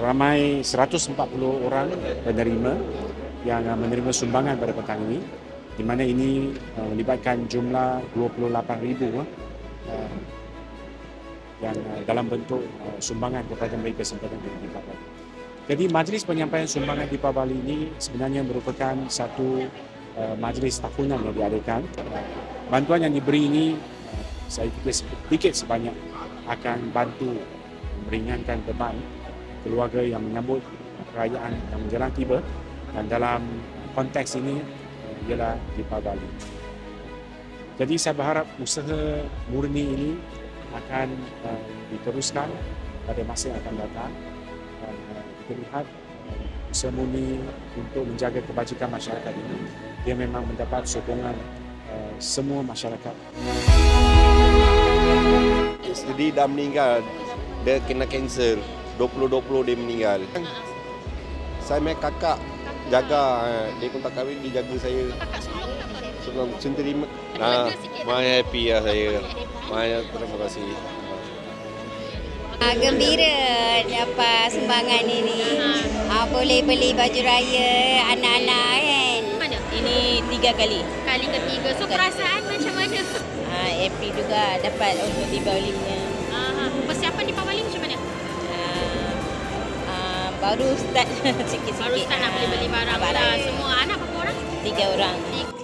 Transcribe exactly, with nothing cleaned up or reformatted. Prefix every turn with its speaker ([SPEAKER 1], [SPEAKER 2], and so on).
[SPEAKER 1] Ramai seratus empat puluh orang penerima yang menerima sumbangan pada petang ini, di mana ini uh, melibatkan jumlah dua puluh lapan ribu uh, yang uh, dalam bentuk uh, sumbangan kepada mereka sempena Deepavali. Jadi majlis penyampaian sumbangan Deepavali ini sebenarnya merupakan satu uh, majlis tahunan yang diadakan. Uh, bantuan yang diberi ini uh, saya fikir sedikit sebanyak akan bantu meringankan beban keluarga yang menyambut perayaan yang menjelang tiba, dan dalam konteks ini uh, ialah Deepavali. Jadi saya berharap usaha murni ini akan uh, diteruskan pada masa yang akan datang, dan uh, kita lihat uh, usaha murni untuk menjaga kebajikan masyarakat ini dia memang mendapat sokongan uh, semua masyarakat.
[SPEAKER 2] Jadi dah meninggal, dia kena kanser, dua puluh dua puluh dia meninggal. Saya punya kakak jaga, dia pun tak kahwin, dia jaga saya. Sebelum terima, nah, my happy lah saya. Banyak terima kasih.
[SPEAKER 3] Ah, gembira dapat sumbangan ini. Ah, boleh beli baju raya anak-anak kan.
[SPEAKER 4] Mana?
[SPEAKER 3] Ini tiga kali.
[SPEAKER 4] Kali ketiga. So perasaan macam mana?
[SPEAKER 3] Ah, happy juga dapat untuk Deepavali punya.
[SPEAKER 4] Ah, persiapan Deepavali macam mana?
[SPEAKER 3] Ah, ah, baru start sikit-sikit.
[SPEAKER 4] Baru start nak beli-beli barang
[SPEAKER 3] Ah,
[SPEAKER 4] lah. Semua anak berapa orang?
[SPEAKER 3] Tiga orang.